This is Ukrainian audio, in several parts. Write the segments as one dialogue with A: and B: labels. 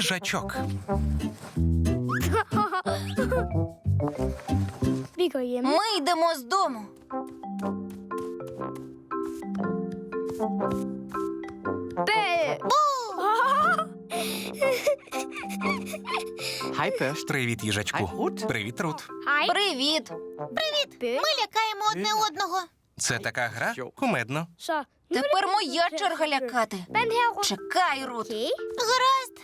A: Їжачок.
B: Ми йдемо з дому.
C: Hej Børst.
A: Привіт, їжачку.
C: Hej Rut.
A: Привіт, Рут.
B: Привіт. Ми лякаємо одне одного.
A: Це така гра? Кумедно.
B: Тепер моя черга лякати. Чекай, Рут. Гаразд.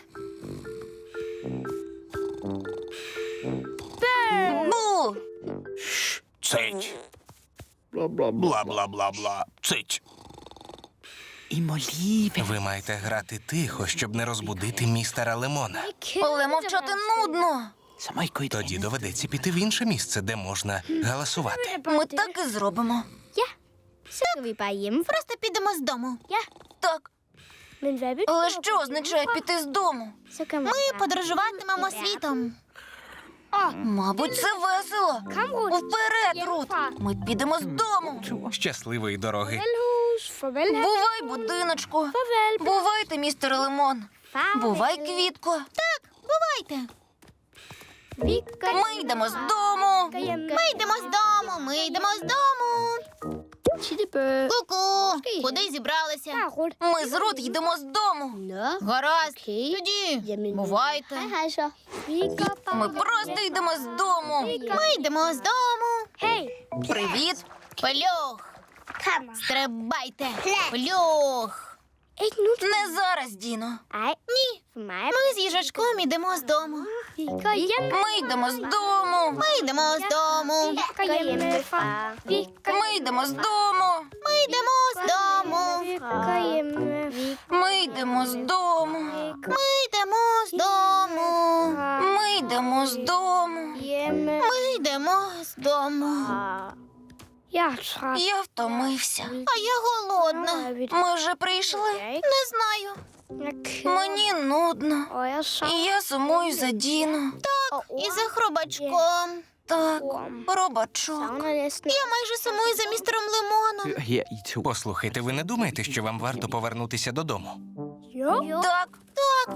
B: Бу!
A: Цить. Бла-бла-бла-бла. Цить.
C: I må lige vente.
A: Ви маєте грати тихо, щоб не розбудити містера Лемона.
B: Але мовчати нудно.
C: Så må I gå i et
A: Тоді
C: andet.
A: доведеться піти в інше місце, де можна галасувати.
B: Ми так і зробимо.
D: Så går vi bare hjemme.
B: Просто підемо з дому.
D: Ja.
B: Так.
D: Men hvad vil
B: Але що означає піти з дому?
D: Så kan man
B: Ми подорожуватимемо світом. Мабуть, це весело.
D: Kom, Rut.
B: Вперед, Рут. Ми підемо з дому.
A: Щасливої дороги.
D: Hus. Farvel, her.
B: Бувай, будиночку.
D: Farvel,
B: Бувайте, містер Лемон.
D: far.
B: Бувай, квітко. Так, бувайте.
D: Vi går
B: Ми йдемо з дому.
D: hjem.
B: Ми йдемо з дому. Ми йдемо з дому.
D: Tittebø.
B: Ку-ку. Куди зібралися?
D: Ja, Rut.
B: Ми з Рут йдемо з дому.
D: Nå.
B: Гаразд.
D: Okay.
B: Тоді.
D: Jamen,
B: Бувайте.
D: Hej, hej så. Vi går bare
B: Ми просто йдемо з дому. Ми йдемо з дому.
D: Hey.
B: Привіт. Плюх.
D: Kom.
B: Стрибайте. Плюх.
D: Ikke nu.
B: Не зараз, Діно.
D: Ej.
B: Ні.
D: For mig.
B: Ми з їжачком йдемо з дому.
D: Vi går hjem.
B: Ми йдемо з дому. Ми йдемо з дому.
D: Vi går hjemmefra. Vi går
B: Ми йдемо з дому. Ми йдемо з дому.
D: Vi går hjemme.
B: Ми йдемо з дому. Ми йдемо з дому. Ми йдемо з дому.
D: Hjemme.
B: Ми йдемо з дому.
D: Jeg er træt.
B: Я втомився. А я голодна. Ми вже прийшли? Не знаю.
D: Jeg keder
B: Мені нудно.
D: og jeg savner
B: І я сумую за Діно. Так, і за хробачком. Так, хробачок.
D: næsten.
B: Я майже сумую за містером Лемоном.
C: Hør her, I to.
A: Послухайте, ви не думаєте, що вам варто повернутися додому?
D: Jo.
B: Так, так,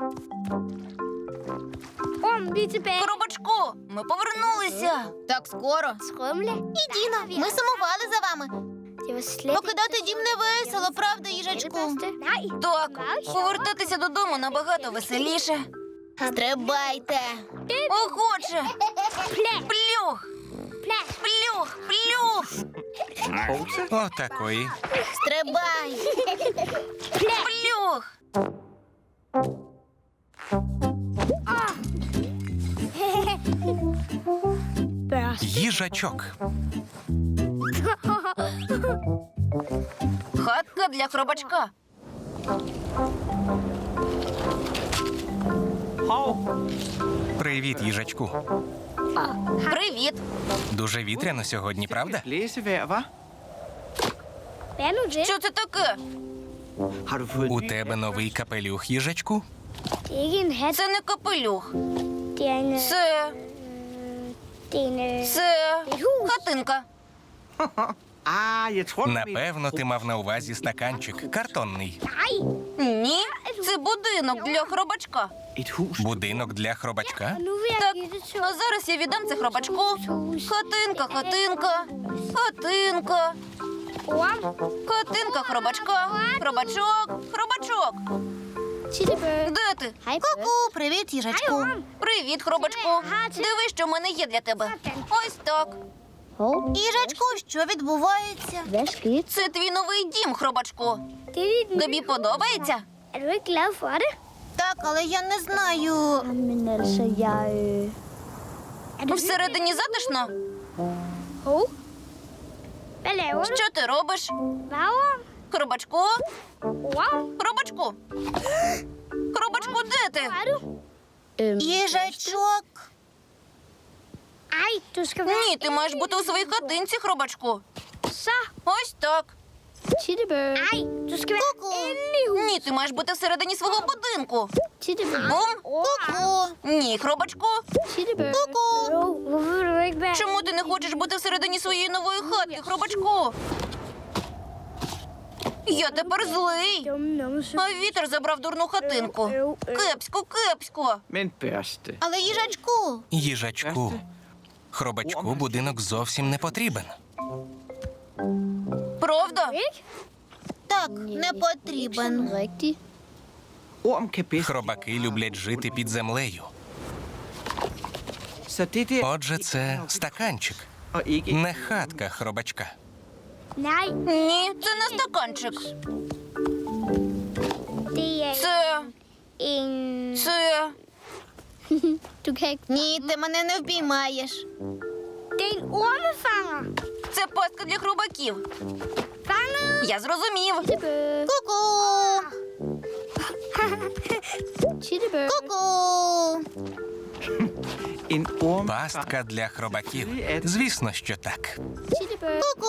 D: Vi er tilbage.
B: хробачку, ми повернулися. Так скоро.
D: Skrumle.
B: І Діно, ми сумували за вами.
D: Det var slet
B: Покидати дім не весело, правда,
D: ikke det
B: їжачку?
D: bedste. Nej.
B: Так, повертатися додому набагато веселіше. Стрибайте. Охоче. Плюх. Плюх, плюх.
A: Отакої.
B: Стрибай. Плюх.
D: Børst.
A: Їжачок.
B: Хатка для хробачка.
C: Hov.
A: Привіт, їжачку.
B: Привіт.
A: Дуже вітряно сьогодні, правда?
C: Blæsevejr, hva'?
D: Hvad er nu det?
B: Що це таке?
C: Har du fået
A: У
C: en ny?
A: тебе новий капелюх, їжачку?
D: Det er ikke en hat.
B: Це не капелюх.
D: Det er en...
B: Це...
D: Det er en...
B: Це...
D: Et hus.
B: Хатинка.
C: Ah, jeg tror, du mener-
A: Напевно, ти мав на увазі стаканчик. Картонний.
D: Nej.
B: Ні, це будинок для хробачка.
C: Et hus.
A: Будинок для хробачка?
D: Og nu vil jeg
B: Так,
D: give det til...
B: а зараз я віддам це хробачку. Хатинка, хатинка, хатинка,
D: Orm.
B: хатинка хробачка, хробачок, хробачок.
D: Tittebø.
B: Де ти?
D: Hej,
B: Ку-ку, привіт, їжачку.
D: Hej, Орм.
B: Привіт, хробачку. Диви, що в мене є для тебе. Ось так.
D: Hov.
B: Їжачку, що відбувається?
D: Hvad skete?
B: Це твій новий дім, хробачку.
D: Det er dit...
B: Тобі подобається?
D: Er du ikke glad for det?
B: Так, але я не знаю.
D: Men altså, jeg... Er du...
B: Всередині затишно?
D: Hov. Hvad laver du?
B: Що ти робиш?
D: Hvad, Orm?
B: Хробачку?
D: Orm?
B: Хробачку? Хробачку, де ти?
D: Hvor er du?
B: Їжачок.
D: Ej, du skal være...
B: Ні, ти маєш бути у своїй хатинці, хробачку.
D: Så.
B: Ось так.
D: Tittebø. Ej, du skal være inde i huset.
B: Ні, ти маєш бути всередині свого будинку.
D: Tittebø.
B: Бум.
D: Orm.
B: Ні, хробачку.
D: Tittebø.
B: Ку-ку.
D: Jo, hvorfor vil du ikke være...
B: Чому ти не хочеш бути всередині своєї нової хатки, хробачку? Я тепер злий.
D: Dumme numse.
B: А вітер забрав дурну хатинку. Кепсько, кепсько.
C: Men børste.
B: Але їжачку.
A: Їжачку. Хробачку будинок зовсім не потрібен.
B: Правда?
D: Ikke?
B: Так, не потрібен.
D: Rigtigt.
C: Orm kan bedst.
A: Хробаки люблять жити під землею.
C: Så det der
A: Отже, це стаканчик,
C: og ikke
A: не хатка хробачка.
D: Nej,
B: Ні, це не стаканчик.
D: det er
B: Це.
D: en...
B: Це.
D: Du kan ikke...
B: Ні, ти мене не впіймаєш.
D: Det er en ormefanger.
B: Це пастка для хробаків.
D: Fanget!
B: Я зрозумів.
D: Tittebø.
B: Ку-ку.
D: Tittebø.
B: Ку-ку.
C: en orm.
A: Пастка для хробаків. Звісно, що так.
D: Tittebø.
B: Ку-ку.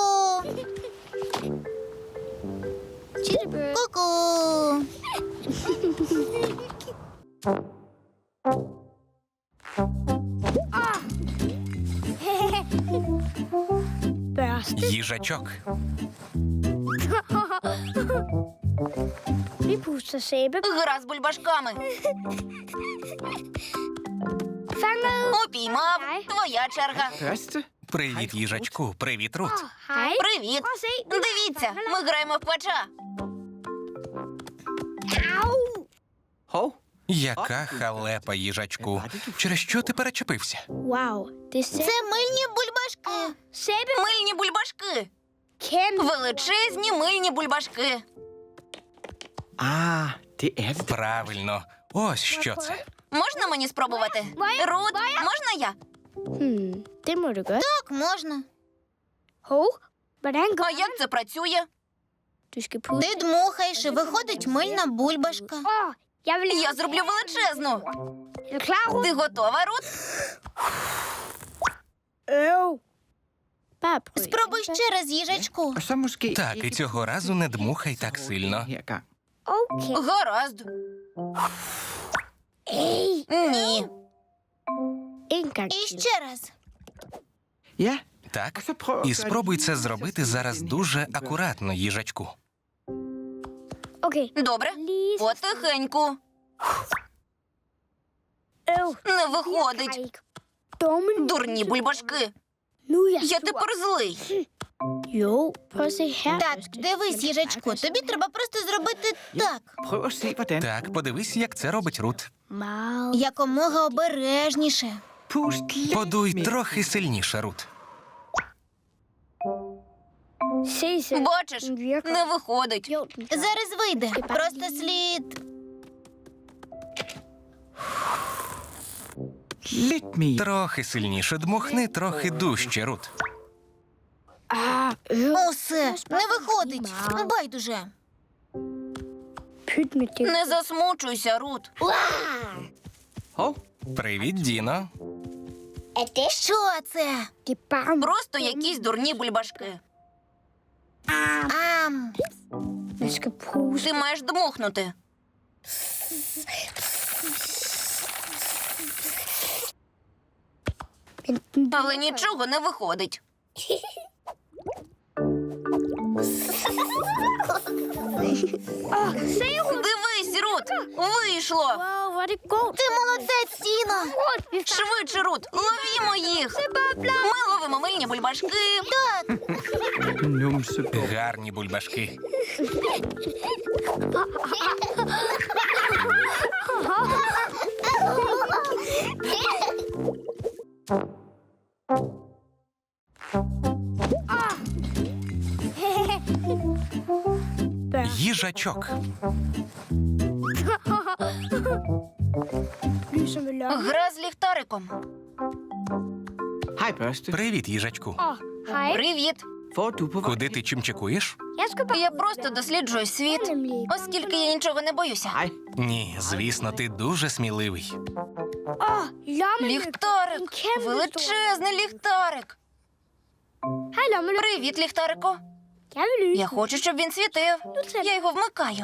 D: Tittebø.
B: Ку-ку.
D: Børste.
A: Їжачок.
D: Vi puster sæbe.
B: Гра з бульбашками.
D: Fanget.
B: Упіймав. Твоя черга.
C: Børste.
A: Привіт, їжачку. Привіт, Рут.
D: Hej.
B: Привіт.
D: Prøv at se.
B: Дивіться, ми граємо в квача.
D: Au.
C: Hov.
A: Яка халепа, їжачку. Через що ти перечепився?
D: Wow. Det er sæbe.
B: Це мильні бульбашки.
D: Sæbe.
B: Мильні бульбашки.
D: Kæmpe.
B: Величезні мильні бульбашки.
C: Ah, det er det.
A: Правильно. Ось що це.
B: Можна мені спробувати? Рут, можна я?
D: Det må du gøre.
B: Так, можна.
D: Hov. Hvordan går
B: А як це працює?
D: Du skal putte.
B: Ти дмухаєш і виходить мильна бульбашка.
D: Åh, jeg vil...
B: Я зроблю величезну.
D: Er du klar, Rut?
B: Ти готова, Рут?
D: Øv. Bare prøv.
B: Спробуй ще раз, їжачку.
C: Og så måske
A: Так, і цього разу не дмухай так сильно.
C: her gang.
D: Okay.
B: Гаразд. Ні.
D: En gang
B: І
D: til.
B: ще раз.
C: Ja,
A: Так. І спробуй це зробити зараз дуже акуратно, їжачку.
D: Okay.
B: Добре.
D: Lige så
B: Потихеньку.
D: øv.
B: Не
D: Ej,
B: виходить.
D: ikke. Dumme.
B: Дурні бульбашки.
D: Nu er jeg
B: Я
D: sur.
B: тепер злий.
D: Jo, prøv at se her.
B: Так, дивись, їжачку, тобі треба просто зробити так.
C: prøv at se, hvordan.
A: Так, подивись, як це робить Рут.
D: Meget.
B: Якомога обережніше.
C: Pust lidt
A: Подуй
C: mere.
A: трохи сильніше, Рут.
D: Se selv.
B: Бачиш,
D: Den virker.
B: не виходить.
D: Jo, den gør.
B: Зараз вийде. Просто слід.
C: Lidt mere.
A: Трохи сильніше дмухни, трохи дужче, Рут.
D: Ah, øv.
B: Усе, не виходить. Байдуже.
D: Pyt med det.
B: Не засмучуйся, Рут.
C: Hov.
A: Привіт, Діно.
B: Що це?
D: Det er bare...
B: Просто якісь дурні бульбашки. Ам,
D: Man skal puste.
B: ти маєш дмухнути.
D: Men den
B: Але нічого не виходить.
D: Se, Rut.
B: Дивись, Рут, вийшло.
D: Wow, hvor er det godt.
B: Ти молодець, Тіно.
D: Rut, vi fanger.
B: Швидше, Рут, ловімо їх. Ми ловимо мильні бульбашки. Так.
C: Numse.
A: Гарні бульбашки. Їжачок.
D: Lyser med lokken.
B: Гра з ліхтариком.
C: Hej, børste.
A: Привіт, їжачку.
D: Åh, hej.
B: Привіт.
C: Hvor er du på vej?
A: Куди ти чимчикуєш?
D: Jeg skal bare...
B: Я просто досліджую світ, оскільки я нічого не боюся.
C: Hej.
A: Ні, звісно, ти дуже сміливий.
D: Åh, lommelygte. En
B: Ліхтарик.
D: kæmpe
B: Величезний ліхтарик.
D: stor. Hej, lommelygte.
B: Привіт, ліхтарику.
D: Jeg vil lyse.
B: Я хочу, щоб він світив. Я його вмикаю.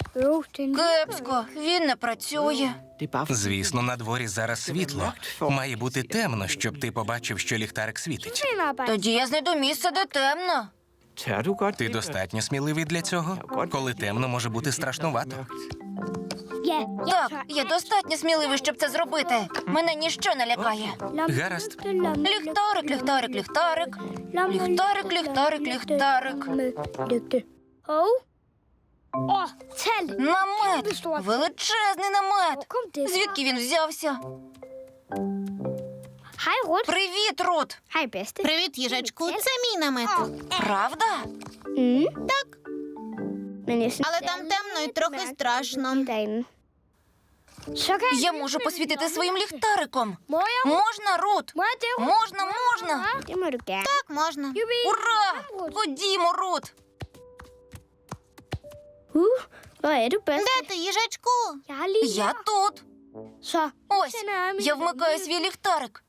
B: Кепсько, він не працює.
C: Det er bare fordi,
A: Звісно, на дворі зараз світло. Має бути темно, щоб ти побачив, що ліхтарик світить.
B: Тоді я знайду місце, де темно.
C: tør du godt
A: Ти
C: det?
A: достатньо сміливий для цього? Коли темно, може бути страшнувато.
B: Так, я достатньо сміливий, щоб це зробити. Мене ніщо не лякає.
A: Гаразд.
B: Ліхтарик, ліхтарик, ліхтарик. Ліхтарик, ліхтарик, ліхтарик. Намет! Величезний намет! Звідки він взявся?
D: Hej, Rut.
B: Привіт, Рут!
D: Hej, bedste.
E: Привіт, їжачку. Це мій намет.
B: Правда?
E: Так,
D: Men jeg synes,
E: але там темно і трохи страшно.
D: derinde. Så kan
B: Я можу посвітити своїм ліхтариком.
D: Må jeg?
B: Можна, Рут?
D: Må jeg det, Rut?
B: Можна, можна!
D: Det må du gerne.
E: Так, можна.
B: Ура! Ходімо, Рут!
D: Hvor er du, bedste?
E: Де ти, їжачку?
D: Jeg har lige
B: Я тут.
D: Så.
B: Ось,
D: tænder jeg min-
B: я вмикаю свій ліхтарик.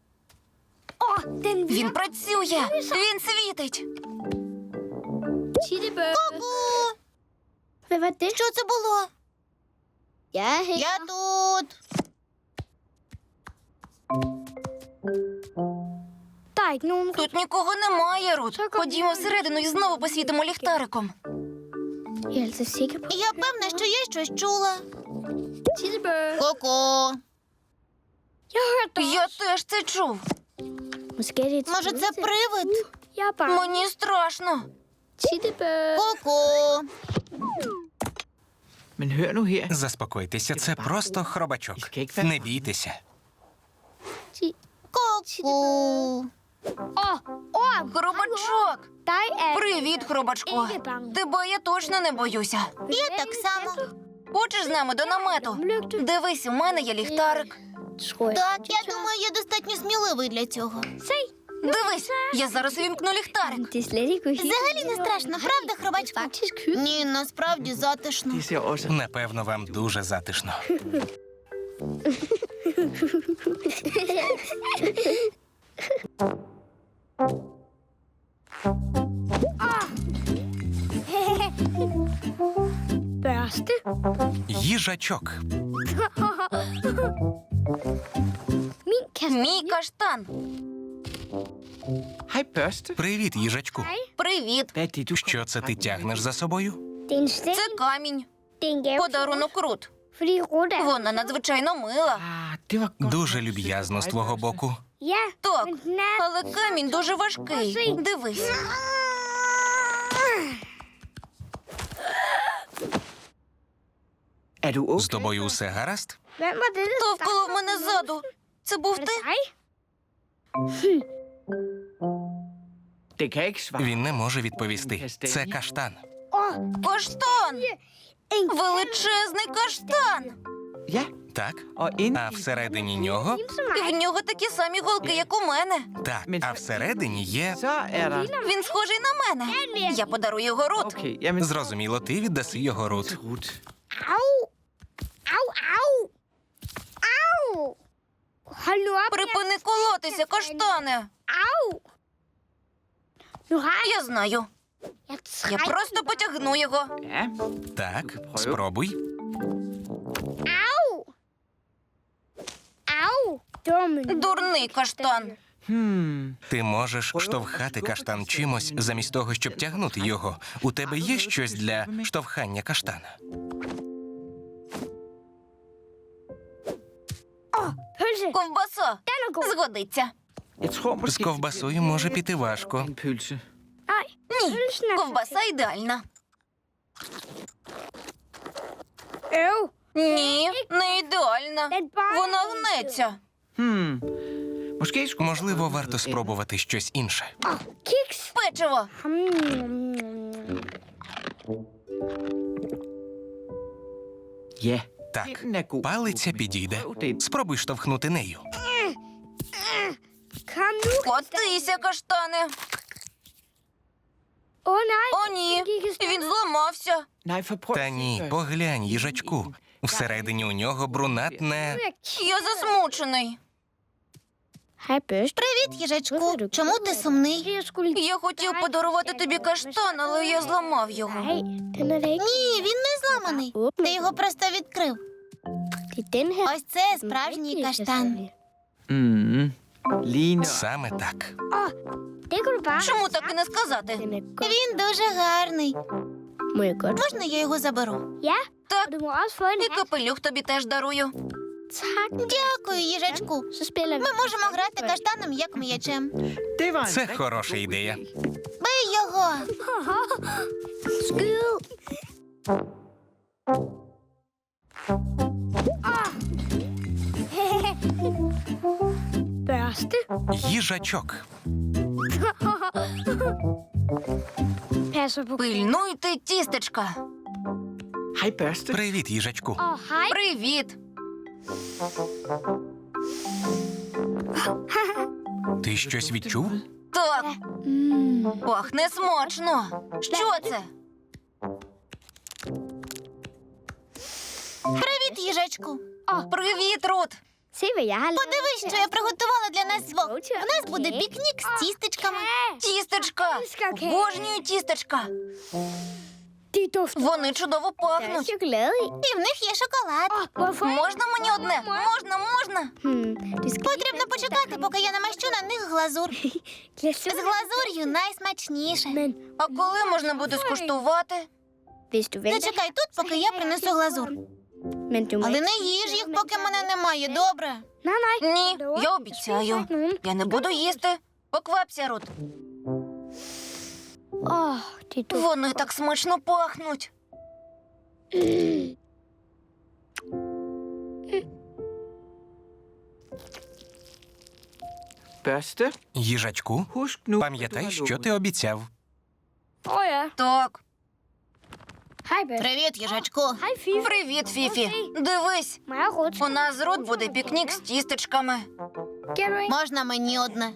D: Den
B: Він працює. Він світить.
D: Tittebø.
E: Ку!
D: Hvad var det?
E: Що це було?
D: Jeg er her.
E: Я тут.
D: Der er ikke nogen.
B: Тут нікого немає, Рут. Ходімо всередину і знову посвітимо ліхтариком.
D: Jeg er altså sikker på.
E: Я певна, що я щось чула.
D: Tittebø.
E: Ко-ко.
D: Jeg har hørt dig.
B: Я теж це чув.
D: Måske er det et
E: Може, це
D: spøgelse.
E: привид?
D: Jeg er bange.
B: Мені страшно.
D: Tittebø.
E: Ко-ко.
C: Men hør nu her.
A: Заспокойтеся, це просто хробачок. Не бійтеся.
E: Ко-ко.
B: Хробачок.
D: Dig er
B: Привіт, хробачко. Тебе я точно не боюся.
E: Я так само.
B: Хочеш з нами до намету? Дивись, у мене є ліхтарик.
D: tror jeg.
E: Так, я думаю, я достатньо сміливий для цього.
B: Дивись, я зараз увімкну ліхтарик.
D: Det er slet ikke uhyggeligt.
E: Взагалі не страшно, правда, хробачку?
D: Faktisk hyggeligt.
E: Ні, насправді затишно.
C: Det ser også...
A: Напевно, вам дуже затишно.
D: Børste.
A: Їжачок.
D: Min kasse.
B: Мій каштан.
C: Hej, børste.
A: Привіт, їжачку.
B: Привіт.
C: Hvad er det, du
A: Що це ти тягнеш за собою?
D: Det er en sten.
B: Це камінь.
D: Det er en gave.
B: Подарунок Рут.
D: Fordi Rut er...
B: Вона надзвичайно мила.
C: Ah, det var godt.
A: Дуже люб'язно з твого боку.
D: Ja,
B: Так,
D: men den er...
B: але камінь дуже важкий. Дивись.
C: Er du okay?
A: З тобою усе гаразд?
D: Hvem var det, der
B: Хто вколов мене ззаду? Це був
D: Var det
B: ти?
D: dig?
C: Det kan jeg ikke svare.
A: Він не може відповісти. Це каштан.
B: Каштан!
D: En
B: Величезний каштан!
C: Ja,
A: Так?
C: og inde
A: А всередині нього?
B: І в нього такі самі голки, як у мене.
A: Так. А всередині є.
C: så er der...
B: Він схожий на мене. Я подарую його Рут.
C: Okay, jamen...
A: Зрозуміло, ти віддаси його Рут.
C: Rut.
D: Au! Au, au! Au! Hold nu op.
B: Припини колотися, каштане.
D: Au! Nu har jeg...
B: Я знаю.
D: Jeg
B: Я
D: trækker...
B: просто потягну його.
C: Ja,
A: Так, спробуй.
D: Au! Au! Dumme.
B: Дурний каштан.
A: Ти можеш штовхати каштан чимось, замість того, щоб тягнути його. У тебе є щось для штовхання каштана?
D: Pølse.
B: Ковбаса.
D: Den er god.
B: Згодиться.
C: jeg tror måske...
A: З ковбасою може піти важко.
C: En pølse.
D: Nej,
B: Ні,
D: pølsen er...
B: ковбаса ідеальна.
D: Øv.
B: Ні, не ідеальна.
D: Den bare...
B: Вона гнеться.
C: Måske skulle...
A: Можливо, варто спробувати щось інше.
D: Kiks.
B: Печиво.
C: Ja,
A: Так,
C: den er god.
A: палиця підійде.
C: Prøv det.
A: Спробуй штовхнути нею.
D: Kom nu.
B: Котися, каштане.
D: Åh nej.
B: О, ні, він зламався.
C: Nej, for prøv...
A: Та ні, поглянь, їжачку. Всередині у нього брунатне.
B: Я засмучений.
D: Hej, Børste.
E: Привіт, їжачку. Чому ти сумний?
D: Jeg skulle...
B: Я хотів подарувати тобі каштан, але я зламав його.
D: Nej, den er da ikke.
E: Ні, він не зламаний. Ти його просто відкрив.
D: Det er den her.
E: Ось це справжній каштан.
C: Lige nøjagtigt.
A: Саме так.
D: Det kunne du bare...
B: Чому так і не сказати?
D: Den er god.
E: Він дуже гарний.
D: Må jeg godt?
E: Можна я його заберу?
D: Ja,
B: Так,
D: og du må også få en
B: і
D: hat.
B: капелюх тобі теж дарую.
D: Tak.
E: Дякую, їжачку.
D: Så spiller vi.
E: Ми можемо грати каштаном як м'ячем.
C: Det var en
A: Це
C: rigtig
A: хороша
C: god
A: ідея.
E: Бий його.
D: Skyd. Børste.
A: Їжачок.
D: Passer på.
B: Пильнуйте тістечка.
C: Hej, Børste.
A: Привіт, їжачку.
D: Åh, hej.
B: Привіт.
A: Ти щось відчув?
B: Так,
D: Mm.
B: пахне смачно. Що це?
E: Привіт, їжачку.
B: Привіт, Рут.
D: Se, hvad jeg har lavet.
E: Подивись, що я приготувала для нас двох. У нас буде пікнік з тістечками.
B: Тістечка. Обожнюю тістечка.
D: De dufter
B: Вони чудово
D: af
B: пахнуть.
D: chokolade i.
E: І в них є шоколад.
D: Hvorfor?
B: Можна мені одне? Можна.
D: Det skal
E: Потрібно почекати, поки я намащу на них глазур. З глазур'ю найсмачніше.
D: Men
B: А коли можна буде скуштувати?
D: hvis du venter.
E: Зачекай тут, поки я принесу глазур.
D: Men du må
E: Але
D: ikke.
E: не їж їх, поки мене немає, добре?
D: Nej, nej.
B: Ні, я обіцяю. Я не буду їсти. Поквапся, Рут.
D: Åh, det dufter.
B: Вони так смачно пахнуть.
C: Børste,
A: Їжачку,
C: husk nu,
A: пам'ятай, що ти обіцяв.
D: Åh ja.
B: Так.
D: Hej, Børste.
E: Привіт, їжачку.
D: Hej, Fifi.
B: Привіт, Фіфі. Дивись,
D: Mig og Ruth.
B: у нас з Рут буде пікнік з тістечками.
D: Kan du ikke?
E: Можна мені одне?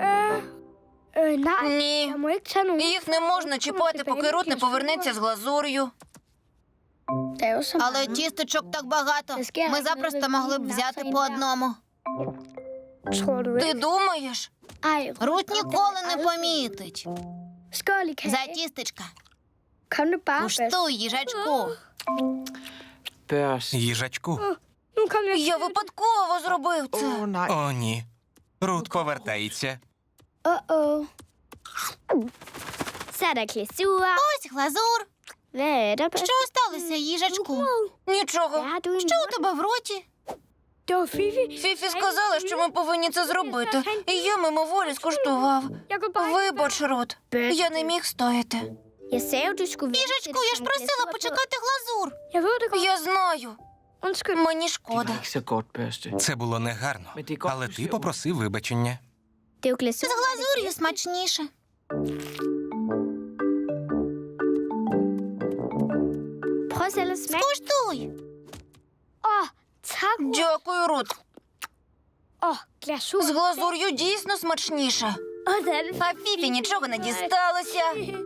D: Nej.
B: Ні.
D: Jeg må ikke tage nogen.
B: Їх не можна чіпати, поки Рут не повернеться з глазур'ю.
D: Det er jo så
E: Але
D: meget.
E: тістечок так багато. Ми запросто могли б взяти по одному.
D: Tror du
B: Ти
D: ikke?
B: думаєш?
D: Ej,
E: Рут ніколи не помітить.
D: skål i
E: За
D: kage.
E: тістечка.
D: Kom nu bare, Børste.
E: Куштуй, їжачку.
C: Børste.
A: Їжачку.
D: Nu kom jeg.
B: Я випадково зробив це.
C: Åh, nej.
A: О, ні. Рут повертається.
D: Uh-oh. Så er der glasur.
E: Ось глазур.
D: Hvad er der, Børste?
E: Що сталося, їжачку?
B: Нічого.
D: Hvad har du i
E: Що у
D: munden?
E: тебе в роті?
D: Det var Fifi.
B: Фіфі сказала, що ми повинні це зробити. І я мимоволі скуштував.
D: Jeg kunne bare...
B: Вибач, Рут. Я не міг стояти.
D: Jeg sagde jo, du skulle vente til
E: Їжачку,
D: der
E: я ж
D: kom
E: просила
D: glasur på.
E: почекати глазур.
D: Jeg ved det godt.
B: Я знаю.
D: Undskyld.
B: Мені
C: Det
B: шкода.
C: var ikke så godt, Børste.
A: Це було негарно. Але ти попросив вибачення.
D: Det er jo glasur.
E: З глазур'ю смачніше.
D: Prøv selv at smage.
E: Куштуй.
D: Åh, tak.
B: Дякую, Рут.
D: Åh, glasur.
B: З глазур'ю дійсно смачніше.
D: Åh, det er det.
B: А Фіфі нічого не дісталося.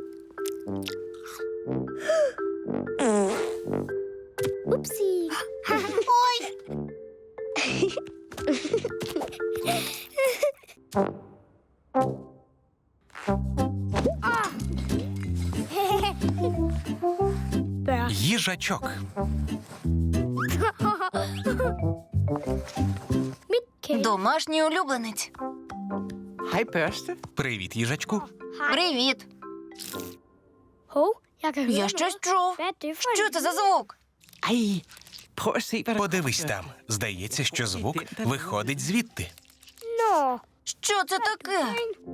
D: Upsi.
E: Ой,
D: Børste.
A: Їжачок.
D: Mit kære.
B: Домашній улюбленець.
C: Hej, Børste.
A: Привіт, їжачку.
B: Привіт.
D: Hov, jeg kan høre
B: Я
D: noget.
B: щось чув.
D: Hvad er det for
B: Що
D: en?
B: це за звук?
C: Ej, prøv at se, hvad der
A: Подивись
C: kommer,
A: там. Здається, що звук виходить звідти.
D: Nå,
B: Що це таке?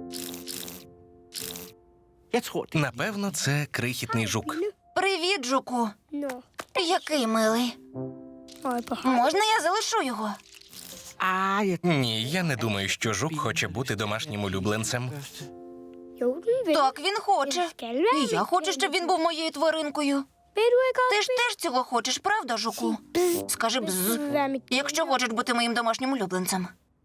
C: Jeg tror, det
A: Напевно, це крихітний жук.
B: Привіт, жуку.
D: nå.
B: Який милий.
D: Øj, på høj.
B: Можна я залишу його?
C: jeg...
A: Ні, я не думаю, що жук хоче бути домашнім улюбленцем.
C: Børste.
D: Jo, den vil.
B: Так, він хоче.
D: Den skal være.
B: І я хочу, щоб він був моєю тваринкою.
D: Vil du ikke
B: Ти
D: også?
B: ж теж цього хочеш, правда, жуку? Скажи бз,
D: Du vil være mit.
B: якщо хочеш бути моїм домашнім улюбленцем.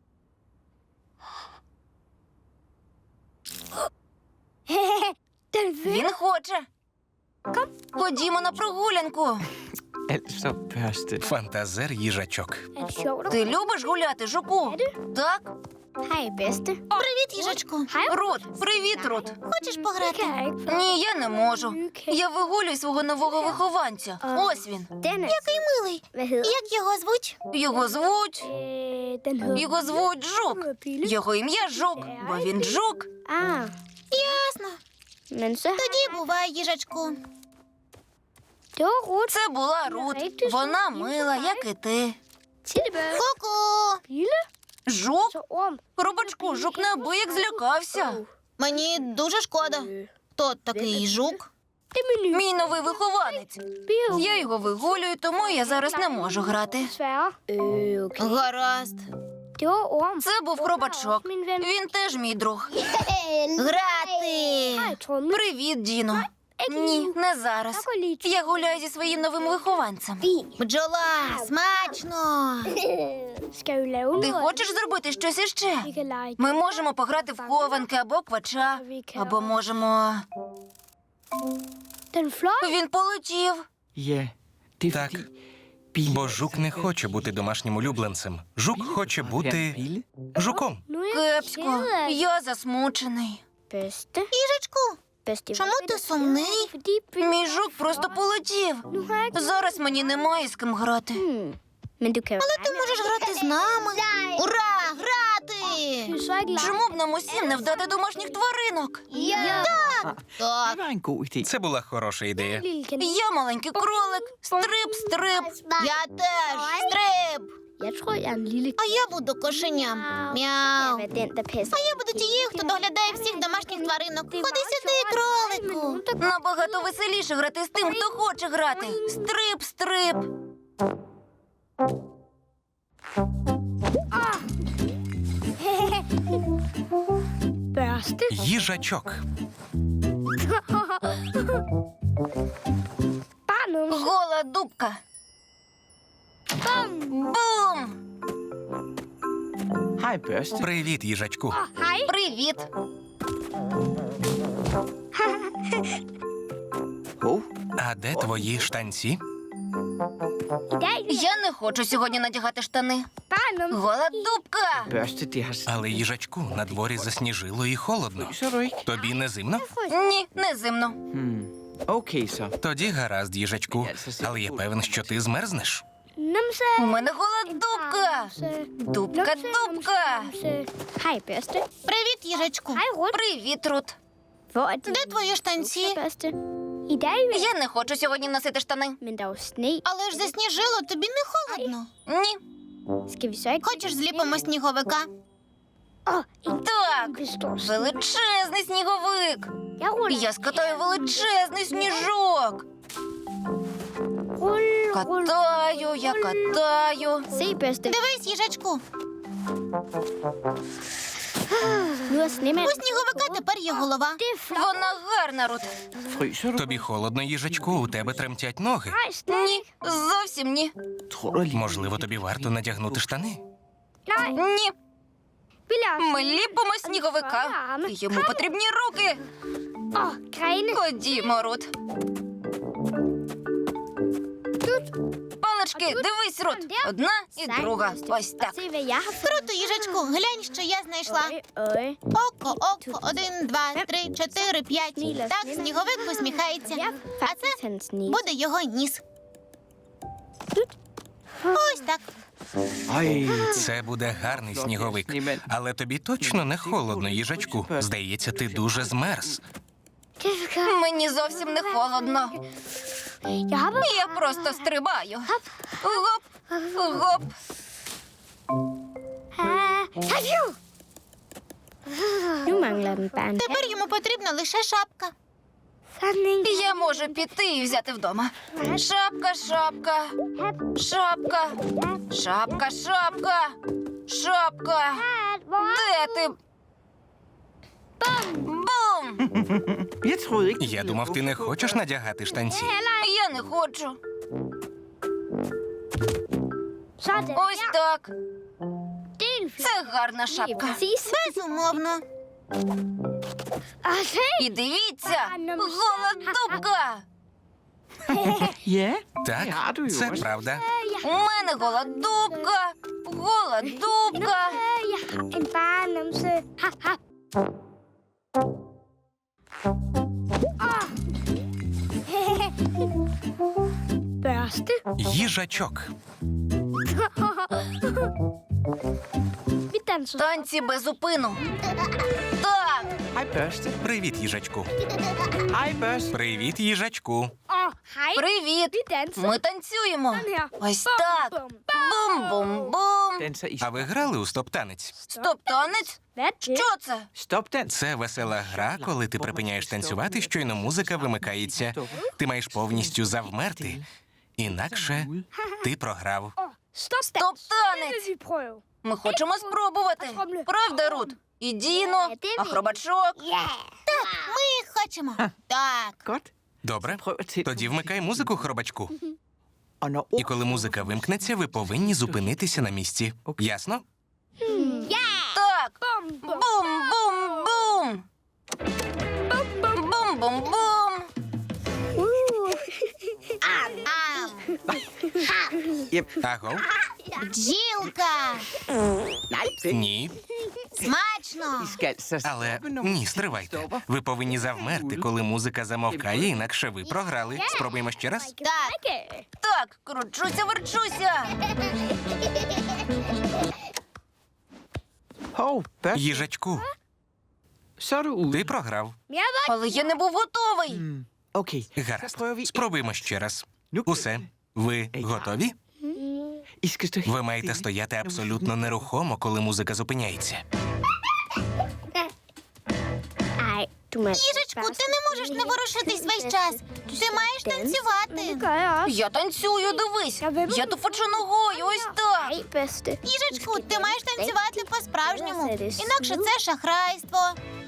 D: Den vil.
B: Він хоче. Ходімо на прогулянку.
C: Altså, Børste.
A: Фантазер їжачок.
D: Er det sjovt at
B: Ти любиш гуляти, жуку? Так?
D: Hej, bedste.
E: Привіт, їжачку.
D: Hej,
B: Рут, привіт, Рут.
E: Хочеш пограти?
D: kan jeg ikke.
B: Ні, я не можу. Я вигулюю свого нового вихованця. Ось він.
D: Den er...
E: Який милий.
D: Hvad hedder
E: Як його звуть?
B: Його звуть.
D: Den hedder...
B: Його звуть Жук.
D: Pille.
B: Його ім'я Жук, бо він жук.
D: Ah,
E: Ясно.
D: men så...
E: Тоді бувай, їжачку.
D: Det var Ruth.
B: Це була Рут. Вона мила, як і ти.
D: Tillebør.
E: Ку-ку.
D: Pille.
B: Жук?
D: Så orm.
B: Робочку, жук неабияк злякався.
E: Мені дуже шкода. Хто такий жук?
D: Det er min nye.
B: Мій новий вихованець.
D: Bio.
B: Я його вигулюю, тому я зараз не можу грати.
D: Desværre. Okay.
E: Гаразд.
D: Det var orm.
B: Це був хробачок.
D: Min ven.
B: Він теж мій друг.
E: Грати.
D: Hej, Tromme.
B: Привіт, Діно. Ні, не зараз.
D: Jeg går lige
B: Я гуляю зі своїм новим вихованцем.
E: Бджола, смачно.
D: Skal vi lave
B: Ти
D: noget?
B: хочеш зробити щось іще?
D: Vi kan lege.
B: Ми можемо пограти в хованки або квача, або можемо...
D: Den fløj.
B: Він полетів.
C: Ja, det er
A: Так.
C: fordi... Bille...
A: Бо жук не хоче бути домашнім улюбленцем. Жук хоче бути
C: Bille?
A: жуком.
D: Nu er jeg
B: Кепсько,
D: ked af
B: я засмучений.
D: bedste.
E: Їжачку,
D: Bedste.
E: чому ти сумний?
D: Fordi
B: Мій жук просто полетів.
D: nu har jeg ikke...
B: Зараз мені немає з ким грати.
D: Men du kan jo
E: Ти можеш грати з нами. Ура, грати!
D: så ikke lege.
B: Чому б нам усім не вдати домашніх тваринок?
E: Так,
C: Det var en god idé.
A: Це була хороша ідея.
D: Lille kanin.
B: Я маленький кролик. Стрип, стрип.
E: я теж. Стриб.
D: Jeg tror, jeg er en lille...
E: А я буду кошеням.
D: Jeg
E: Мяу.
D: er den, der passer.
E: А я буду тією, хто доглядає всіх домашніх тваринок. Ходи сюди, кролику.
B: Набагато веселіше грати з тим, хто хоче грати. Стрип, стрип.
D: Børste.
A: Їжачок.
D: Bare noget.
B: Гола дубка. Бум!
C: Hej, børste.
A: Привіт, їжачку.
D: Hej.
B: Привіт.
C: Hov,
A: А де твої штанці?
D: I dag
B: Я не хочу сьогодні надягати штани.
D: bare noget.
B: Гола дубка.
C: børste, det har...
A: Але їжачку, на дворі засніжило і холодно.
C: Så du ikke?
A: Тобі не зимно?
B: Ні, не зимно.
C: Okay, så.
A: Тоді гаразд, їжачку. Але я певен, що ти змерзнеш.
D: Numse.
B: У мене гола дубка. Дубка, дубка.
D: Hej, Børste.
E: Привіт, їжачку.
D: Hej, Ruth.
B: Привіт, Рут.
D: Hvor er
E: Де твої штанці?
D: Børste? I dag,
B: Я не хочу сьогодні носити штани.
D: men der er jo sne.
E: Але ж засніжило, тобі не холодно.
B: Ні.
D: Skal vi så ikke...
E: Хочеш зліпимо сніговика?
D: Åh, en
B: Так.
D: kæmpe
B: Величезний сніговик.
D: Jeg ruller.
B: Я скатаю величезний сніжок.
D: Rull, rull.
B: Катаю, я катаю.
D: Se, Børste.
E: Дивись, їжачку.
D: Nu er snemanden.
E: У сніговика тепер є голова.
D: Det er flot.
B: Вона гарна, Рут.
C: Fryser du?
A: Тобі холодно, їжачку, у тебе тремтять ноги.
D: Nej, slet
B: Ні, зовсім ні.
C: Tror du lige...
A: Можливо, тобі варто надягнути штани.
D: Nej,
B: Ні.
D: vi lader
B: Ми ліпимо сніговика. Йому потрібні руки.
D: Åh, grene.
B: Ходімо, Рут. Палички, дивись, Рут. Одна і друга. Ось так.
D: Se, hvad jeg har fået.
E: Круто, їжачку, глянь, що я знайшла.
D: Øje.
E: Око, око, 1, 2, 3, 4, 5. Так, сніговик посміхається.
D: Jeg
E: А
D: faktisk
E: це
D: hans nis.
E: буде його ніс. Ось так.
C: Ej,
A: Це буде гарний сніговик. Але тобі точно не холодно, їжачку. Здається, ти дуже змерз.
D: Det er godt.
B: Мені зовсім не холодно.
D: Jeg har bare...
B: Я просто стрибаю. Гоп, гоп.
D: Hej, Nu mangler den bare en
E: Тепер йому потрібна лише шапка.
D: sådan en.
B: Я можу піти і взяти вдома. Шапка, шапка. Шапка. Шапка, шапка. Шапка. Де ти? Бум!
C: jeg troede ikke...
A: Я думав, ти не хочеш надягати штанці.
B: Я не хочу.
D: Sådan.
B: Ось так.
D: Det er en flot.
B: Це гарна
D: Det er
B: шапка.
D: præcis.
E: Безумовно.
D: Og se.
B: І дивіться, гола дубка.
C: Ja,
A: Так,
C: det har du jo
A: це
C: også.
A: правда.
B: У мене гола дубка. Гола дубка.
D: En bagenumse. Ha, ha. Børste.
A: Їжачок.
D: Vi danser.
B: Танці без зупину. Так,
C: Hej, børste.
A: Привіт, їжачку.
C: Hej, børste.
A: Привіт, їжачку.
D: Hej.
B: привіт.
D: Vi danser.
B: Ми танцюємо.
D: Sådan her.
B: Ось так. Бум-бум-бум.
C: Danser i
A: А ви грали у стоп-танець?
B: Стоп-танець?
D: Hvad er det?
B: Що це?
C: stopdans.
A: Це весела гра, коли ти припиняєш танцювати, щойно музика вимикається. Ти маєш повністю завмерти. Інакше ти програв.
D: Stop.
B: Стоп-танець.
D: Vi prøve.
B: Ми хочемо спробувати. Правда, Рут? І Діно, Ахробачок.
E: Ми хочемо. Так.
C: Godt.
A: Добре?
C: Prøv at tænde.
A: Тоді вмикай музику, хробачку.
C: Og når
A: І коли музика вимкнеться, ви повинні зупинитися на місці. Ясно?
B: Так.
D: Bum, bum.
B: Бум-бум-бум. Бум-бум-бум.
A: Аго?
E: Бджілка.
A: Ні.
E: Смачно.
C: I skal så
A: Але
C: stoppe, når
A: ні,
C: musikken
A: стривайте.
C: stopper.
A: Ви повинні завмерти, коли музика замовкає, інакше ви програли. Спробуємо ще раз.
E: Так.
B: Так, кручуся, верчуся.
C: Hov, børste.
A: Їжачку,
C: Så er du ude.
A: ти програв.
B: Але я не був готовий.
C: Okay. Så
A: Гаразд.
C: prøver vi.
A: Спробуємо ще раз.
C: Nu
A: Усе. Ви готові?
C: I skal stå
A: Ви
C: helt
A: маєте
C: stille.
A: стояти абсолютно нерухомо, коли музика зупиняється.
D: Ej, du må...
E: Їжечку, ти не можеш не ворушитись весь час. Ти маєш
D: Det
E: танцювати.
D: gør jeg også.
B: Я танцюю, дивись. Я тупочу ногою, ось так.
D: Ej, bedste.
E: Їжечку, ти маєш танцювати по-справжньому. Інакше це шахрайство.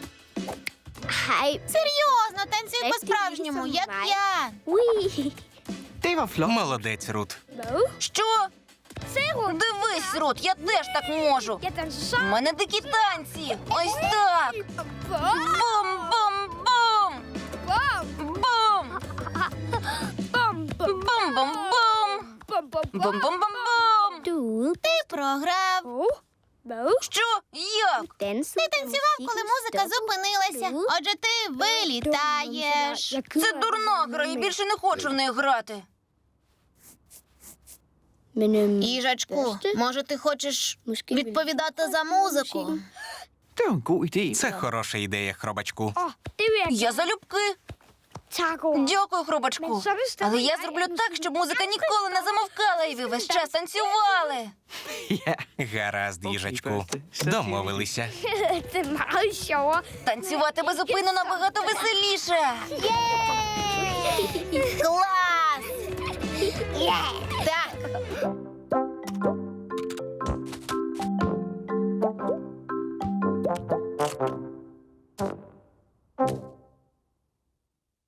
D: Ej,
E: Серйозно, танцюй по-справжньому, як я.
D: ui.
C: Det var flot.
A: Молодець, Рут.
D: Hvad?
B: Що?
D: Se, Rut.
B: Дивись, Рут, я теж так можу.
D: Jeg danser
B: У
D: så.
B: мене дикі танці. Ось так. Бум-бум-бум. Бум.
D: Bum, bum,
B: Бум-бум-бум.
D: bum, bum, bum.
B: Бум-бум-бум.
D: Du
E: Ти програв.
D: Åh, hvad?
B: Що? Як?
D: Danse.
E: Ти танцював, коли музика зупинилася. Отже, ти вилітаєш.
B: Це дурна гра, я більше не хочу в неї грати.
E: Їжачку, може, ти хочеш відповідати за музику?
C: Det var en god idé.
A: Це хороша ідея, хробачку.
D: Åh, det vil jeg
B: Я залюбки.
D: Tak, Rut.
B: Дякую, хробачку. Але я зроблю так, щоб музика ніколи не замовкала, і ви весь час танцювали.
C: Ja.
A: Гаразд, їжачку.
C: Børste.
A: Домовилися.
D: Det er meget sjovere.
B: Танцювати без зупину набагато веселіше.
E: Клас! Так.